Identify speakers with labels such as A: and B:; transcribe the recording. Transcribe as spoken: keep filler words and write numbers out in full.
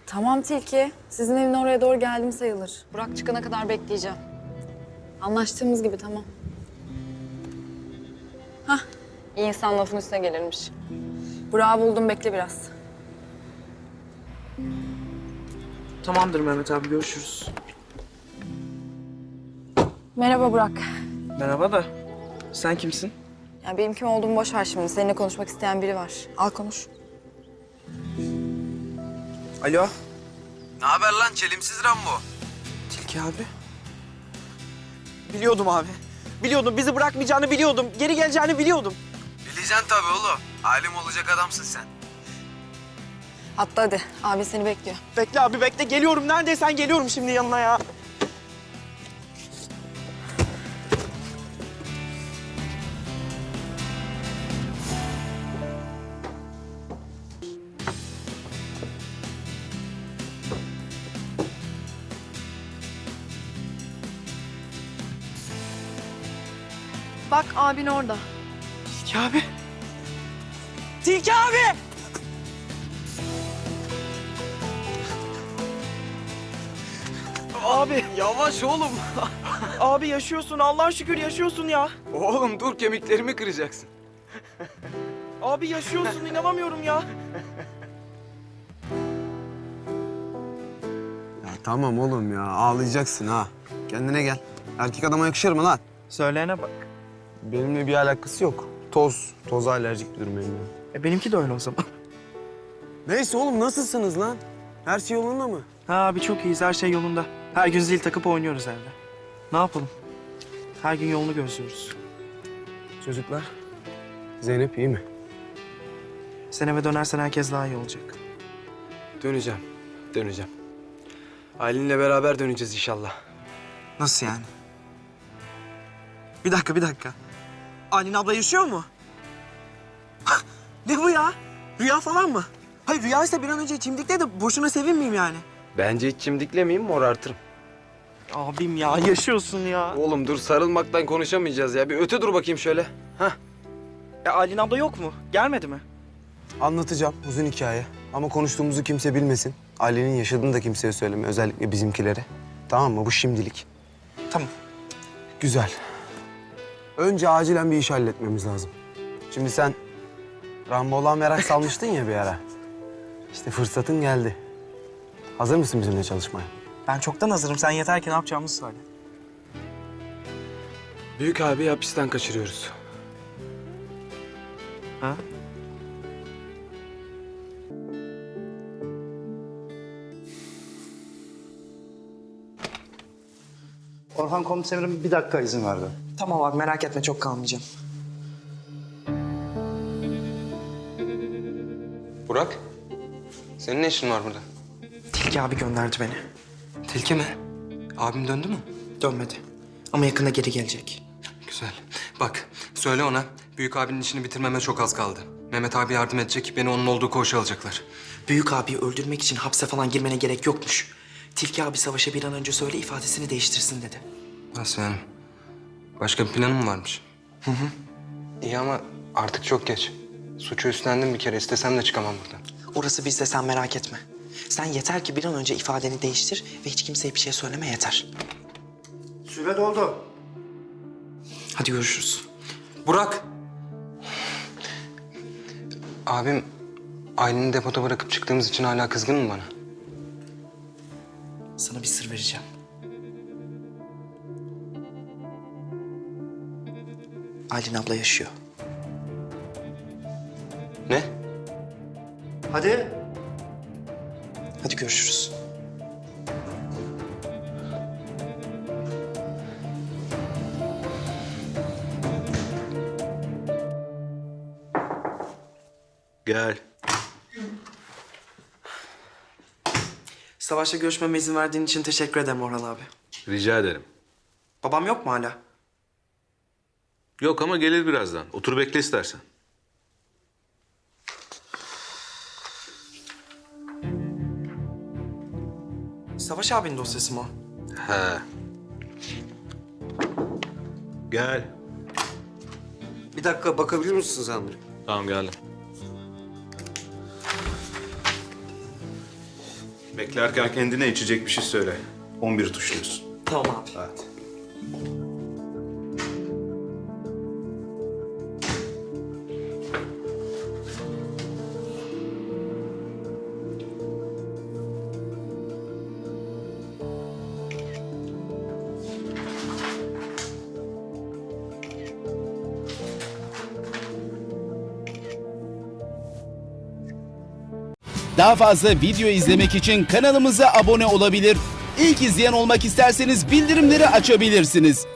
A: Tamam Tilki. Sizin evin oraya doğru geldim sayılır. Burak çıkana kadar bekleyeceğim. Anlaştığımız gibi tamam. Hah, iyi insan lafın üstüne gelirmiş. Burak'ı buldum, bekle biraz.
B: Tamamdır Mehmet abi, görüşürüz.
A: Merhaba Burak.
B: Merhaba da sen kimsin?
A: Ya benim kim olduğumu boş ver şimdi. Seninle konuşmak isteyen biri var. Al konuş.
B: Alo.
C: Ne haber lan çelimsiz Rambo?
B: Tilki abi. Biliyordum abi. Biliyordum, bizi bırakmayacağını biliyordum. Geri geleceğini biliyordum.
C: Bileceksin tabii oğlum. Alim olacak adamsın sen.
A: Hatta hadi. Abi seni bekliyor.
B: Bekle abi, bekle. Geliyorum. Neredeysen geliyorum şimdi yanına ya.
A: Bak abin orada.
B: Tilki abi. Tilki abi! Abi.
C: Yavaş oğlum.
B: Abi yaşıyorsun. Allah'a şükür yaşıyorsun ya.
C: Oğlum dur kemiklerimi kıracaksın.
B: Abi yaşıyorsun. İnanamıyorum ya.
D: Ya tamam oğlum ya, ağlayacaksın ha. Kendine gel. Erkek adama yakışır mı lan?
B: Söyleyene bak.
D: Benimle bir alakası yok. Toz, toza alerjik bir durum benim.
B: E benimki de öyle o zaman.
D: Neyse oğlum, nasılsınız lan? Her şey yolunda mı?
B: Ha abi, çok iyiyiz. Her şey yolunda. Her gün zil takıp oynuyoruz evde. Ne yapalım? Her gün yolunu gözlüyoruz.
D: Çocuklar, Zeynep iyi mi?
B: Sen eve dönersen herkes daha iyi olacak.
C: Döneceğim, döneceğim. Aylin'le beraber döneceğiz inşallah.
B: Nasıl yani? Bir dakika, bir dakika. Aylin abla yaşıyor mu? Ne bu ya? Rüya falan mı? Hayır, rüyaysa bir an önce çimdikle de boşuna sevinmeyeyim yani.
C: Bence hiç çimdiklemeyeyim, morartırım.
B: Abim ya, yaşıyorsun ya.
C: Oğlum dur, sarılmaktan konuşamayacağız ya. Bir öte dur bakayım şöyle. Hah.
B: Ya Aylin abla yok mu? Gelmedi mi?
D: Anlatacağım, uzun hikaye. Ama konuştuğumuzu kimse bilmesin. Ailenin yaşadığını da kimseye söyleme, özellikle bizimkilere. Tamam mı? Bu şimdilik.
B: Tamam.
D: Güzel. Önce acilen bir iş halletmemiz lazım. Şimdi sen Rambo'la merak salmıştın ya bir ara. İşte fırsatın geldi. Hazır mısın bizimle çalışmaya?
B: Ben çoktan hazırım. Sen yeter ki ne yapacağımızı söyle.
C: Büyük abi hapisten kaçırıyoruz.
B: Ha?
E: Orhan komiserim bir dakika izin verdi.
B: Tamam abi, merak etme, çok kalmayacağım.
C: Burak, senin ne işin var burada?
B: Tilki abi gönderdi beni.
C: Tilki mi? Abim döndü mü?
B: Dönmedi. Ama yakında geri gelecek.
F: Güzel. Bak, söyle ona büyük abinin işini bitirmeme çok az kaldı. Mehmet abi yardım edecek, beni onun olduğu koğuşa alacaklar.
B: Büyük abiyi öldürmek için hapse falan girmene gerek yokmuş. Tilki abi Savaş'a bir an önce söyle, ifadesini değiştirsin dedi.
F: Nasıl yani? Başka bir planın mı varmış? Hı hı. İyi ama artık çok geç. Suçu üstlendim bir kere, istesem de çıkamam buradan.
B: Orası bizde, sen merak etme. Sen yeter ki bir an önce ifadeni değiştir ve hiç kimseye bir şey söyleme, yeter.
E: Süre doldu.
B: Hadi görüşürüz.
F: Burak! Abim Aylin'i depoda bırakıp çıktığımız için hala kızgın mı bana?
B: Sana bir sır vereceğim. Aylin abla yaşıyor.
F: Ne?
E: Hadi.
B: Hadi görüşürüz.
D: Gel.
B: Savaş'la görüşmeme izin verdiğin için teşekkür ederim Orhan abi.
G: Rica ederim.
B: Babam yok mu hala?
G: Yok ama gelir birazdan. Otur bekle istersen.
B: Savaş abinin dosyası mı o?
G: He. Gel.
D: Bir dakika bakabilir misin sen?
G: Tamam geldim. Beklerken kendine içecek bir şey söyle. on bir tuşluyorsun.
B: Tamam abi.
G: Hadi.
H: Daha fazla video izlemek için kanalımıza abone olabilir. İlk izleyen olmak isterseniz bildirimleri açabilirsiniz.